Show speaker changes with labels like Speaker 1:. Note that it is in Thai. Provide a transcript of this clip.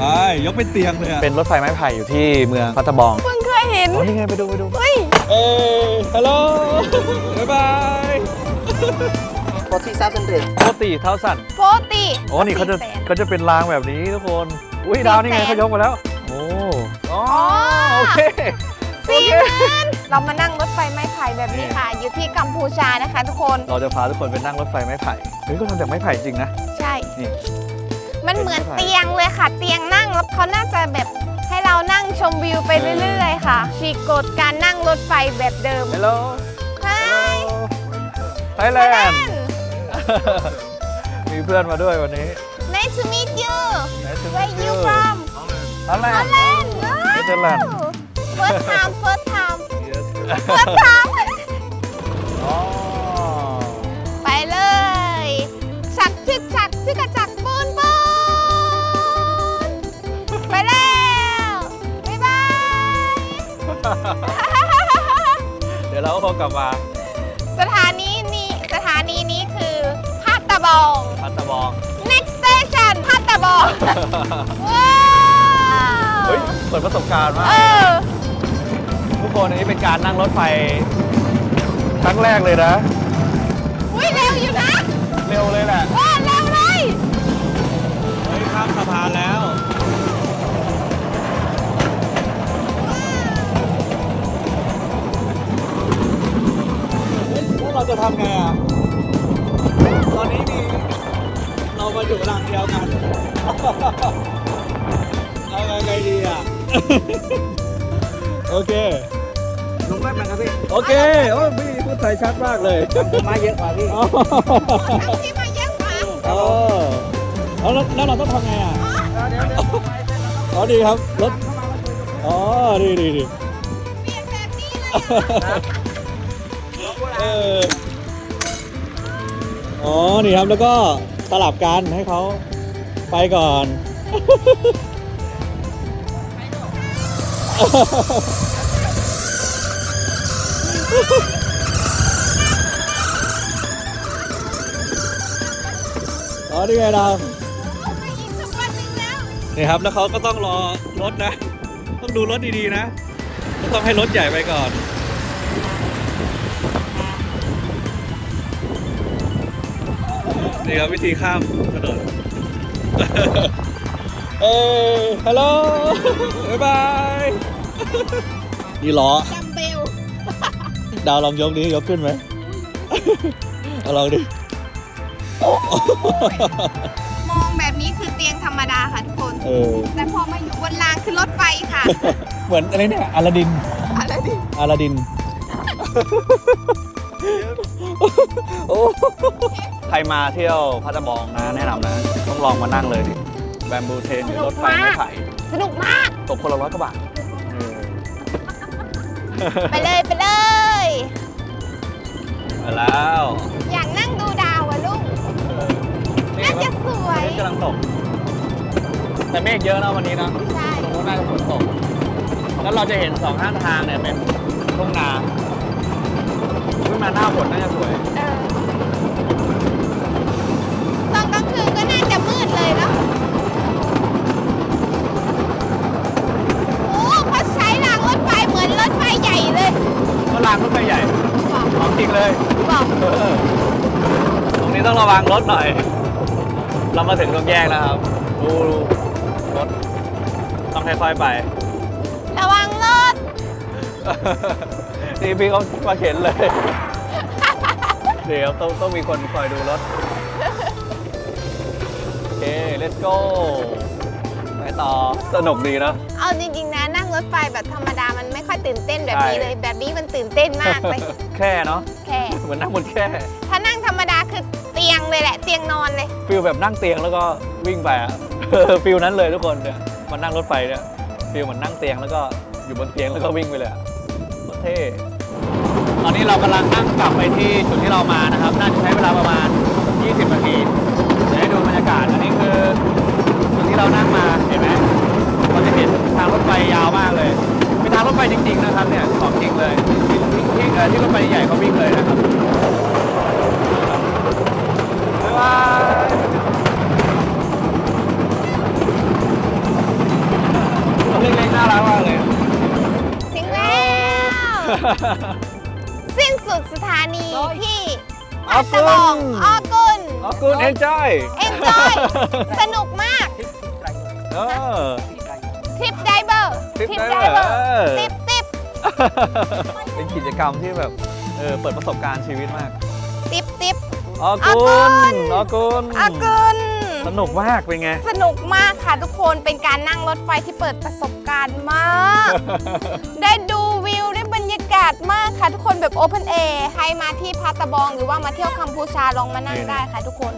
Speaker 1: ยกเป็นเตียงเลยอะ
Speaker 2: เป็นรถไฟไม้ไผ่อยู่ที่เมืองพัทบอง
Speaker 3: เพิ่งเคยเห็น
Speaker 2: นี่ไงไปดู
Speaker 3: เฮ้ย
Speaker 1: ฮัลโหลบ๊ายบาย
Speaker 2: 40,000
Speaker 3: โฟตี
Speaker 2: โอ้นี่เขาจะเป็นรางแบบนี้ทุกคนอุ้ยดาวนี่ไงเขายกมาแล้วโอ้โอเค
Speaker 3: 40,000เรามานั่งรถไฟไม้ไผ่แบบนี้ค่ะอยู่ที่กัมพูชานะคะทุกคน
Speaker 2: เราจะพาทุกคนไปนั่งรถไฟไม้ไผ่เฮ้ยก็ทำจากไม้ไผ่จริงนะ
Speaker 3: ใช่
Speaker 2: นี่
Speaker 3: มันเหมือนเตียงเลยค่ะเตียงนั่งแล้วเขาน่าจะแบบให้เรานั่งชมวิวไปเรื่อยๆค่ะฉีกกฎการนั่งรถไฟแบบเดิม
Speaker 2: Hello
Speaker 3: Hi
Speaker 2: Thailand มีเพื่อนมาด้วยวันนี้
Speaker 3: Nice to meet you
Speaker 2: Nice to
Speaker 3: Where
Speaker 2: meet
Speaker 3: you
Speaker 2: you
Speaker 3: from
Speaker 2: Thailand
Speaker 3: Netherlands First time
Speaker 2: Yes
Speaker 3: First time
Speaker 2: อ๋อ
Speaker 3: ไปเลยฉักชึกฉักชึกกระจักปูนปูนไปแล้วบ๊ายบาย
Speaker 2: เดี๋ยวเราก็คงกลับมา
Speaker 3: สถานีนี้คือพัตตาบอง Next station พัตตาบองว้าว
Speaker 2: เฮ้ยเปิดประสบการณ์มากทุกคนอันนี้เป็นการนั่งรถไฟครั้งแรกเลยนะ
Speaker 3: อุ้ยเร็วอยู่นะ
Speaker 2: เร็วเลยแหละ
Speaker 3: เร็วเลย
Speaker 1: เฮ้ยข้ามสะพานแล้วเราจะทำไงอ่ะตอนนี้เรามาอยู่รางเดียวกันเอาไงดีอ่ะโอเค
Speaker 4: ลงแป๊บนึงครับพี่
Speaker 1: โอเคโอ้พี่พูดไทยชัดมากเลย
Speaker 4: มาเยอะกว่าพี่
Speaker 3: ที่มาเยอะกว่า
Speaker 1: แล้วเราต้องทำไงอ่ะ
Speaker 4: เดี๋ยว
Speaker 1: อ๋อดีครับรถอ๋อดี
Speaker 3: เปลี่ยนแบบนี้เลย
Speaker 1: อ๋อนี่ครับแล้วก็สลับกันให้เขาไปก่อนอ๋อนี่ไงเรานี่ครับแล้วเขาก็ต้องรอรถนะต้องดูรถดีๆนะต้องให้รถใหญ่ไปก่อนนี่ครับวิธีข้ามถนนฮัลโหลบ๊ายบายนี่ล้อ
Speaker 3: จัมเบล
Speaker 1: ดาวลองยกดิยกขึ้นไหมเอาลองดิ
Speaker 3: มองแบบนี้คือเตียงธรรมดาค่ะทุกคนแต่พอมาอยู่บนรางคือรถไฟค่ะ
Speaker 1: เหมือนอะไรเนี่ยอลาดิน
Speaker 2: ใครมาเที่ยวพัทบองนะแนะนำนะต้องลองมานั่งเลยดิแบมบูเทนรถไฟไม้ไผ่
Speaker 3: สนุกมาก
Speaker 2: ตกคนละ100 กว่าบาท
Speaker 3: ไปเลยไป
Speaker 2: แล้ว
Speaker 3: อยากนั่งดูดาวอะลูกน่าจะสวย
Speaker 2: กำลังตกแต่เมฆเยอะนะวันนี้นะ
Speaker 3: ใช่
Speaker 2: ตรงนู้นน่าจะฝนตกแล้วเราจะเห็น2 ข้างทางเนี่ยเป็นทุ่งนาขึ้นมาหน้าฝนน่าจะสวย
Speaker 3: ตอนกลางคืนก็น่าจะมืดเลยเนาะโอ้เขาใช้รางรถไฟเหมือนรถไฟใหญ่เลย
Speaker 2: ก็รางรถไฟใหญ่ของจริงเลย
Speaker 3: บอก
Speaker 2: ตรงนี้ต้องระวังรถหน่อยเรามาถึงตรงแยกแล้วครับดูรถต้องค่อยๆไประ
Speaker 3: วังรถ
Speaker 2: นี่พี่เขามาเข็นเลยเดี๋ยวต้องมีคนคอยดูรถโอเค let's go ไปต่อสนุกดีนะ
Speaker 3: เอาจริงๆนะนั่งรถไฟแบบธรรมดามันไม่ค่อยตื่นเต้นแบบนี้เลยแบบนี้มันตื่นเต้นมากเลย
Speaker 2: แค่เนาะ
Speaker 3: แค่
Speaker 2: เหมือนนั่งบนแค่
Speaker 3: ถ้านั่งธรรมดาคือเตียงเลยแหละเตียงนอนเลย
Speaker 2: ฟิลแบบนั่งเตียงแล้วก็วิ่งไปอะฟิลนั้นเลยทุกคนเนี่ยมันนั่งรถไฟเนี่ยฟิลเหมือนนั่งเตียงแล้วก็อยู่บนเตียงแล้วก็วิ่งไปเลยโคตรเท่ตอนนี้เรากำลังนั่งกลับไปที่จุดที่เรามานะครับน่าจะใช้เวลาประมาณ20 นาทีจะให้ดูบรรยากาศอันนี้คือจุดที่เรานั่งมาเห็นไหมเราจะเห็นทางรถไฟยาวมากเลยเป็นทางรถไฟจริงๆนะครับเนี่ยของจริงเลยที่รถไฟใหญ่เขาวิ่งเลยนะครับบ๊ายบาย
Speaker 3: สิ้นสุดสถานีที่
Speaker 2: ออกุน
Speaker 3: ตะบองออกุน
Speaker 2: ออกุน enjoy
Speaker 3: enjoy สนุกมาก
Speaker 2: เออ
Speaker 3: ทริปไดเวอร์
Speaker 2: Trip Diver
Speaker 3: ติบติบ
Speaker 2: เป็นกิจกรรมที่แบบเปิดประสบการณ์ชีวิตมาก
Speaker 3: ติบติบ
Speaker 2: ออกุนออกุน
Speaker 3: อากุน
Speaker 2: สนุกมากเป็นไง
Speaker 3: สนุกมากค่ะทุกคนเป็นการนั่งรถไฟที่เปิดประสบการณ์มาก ได้ดูวิวได้บรรยากาศมากค่ะทุกคนแบบโอเพนแอร์ใครมาที่พัตตะบองหรือว่ามาเที่ยวกัมพูชาลองมานั่งได้ค่ะทุกคน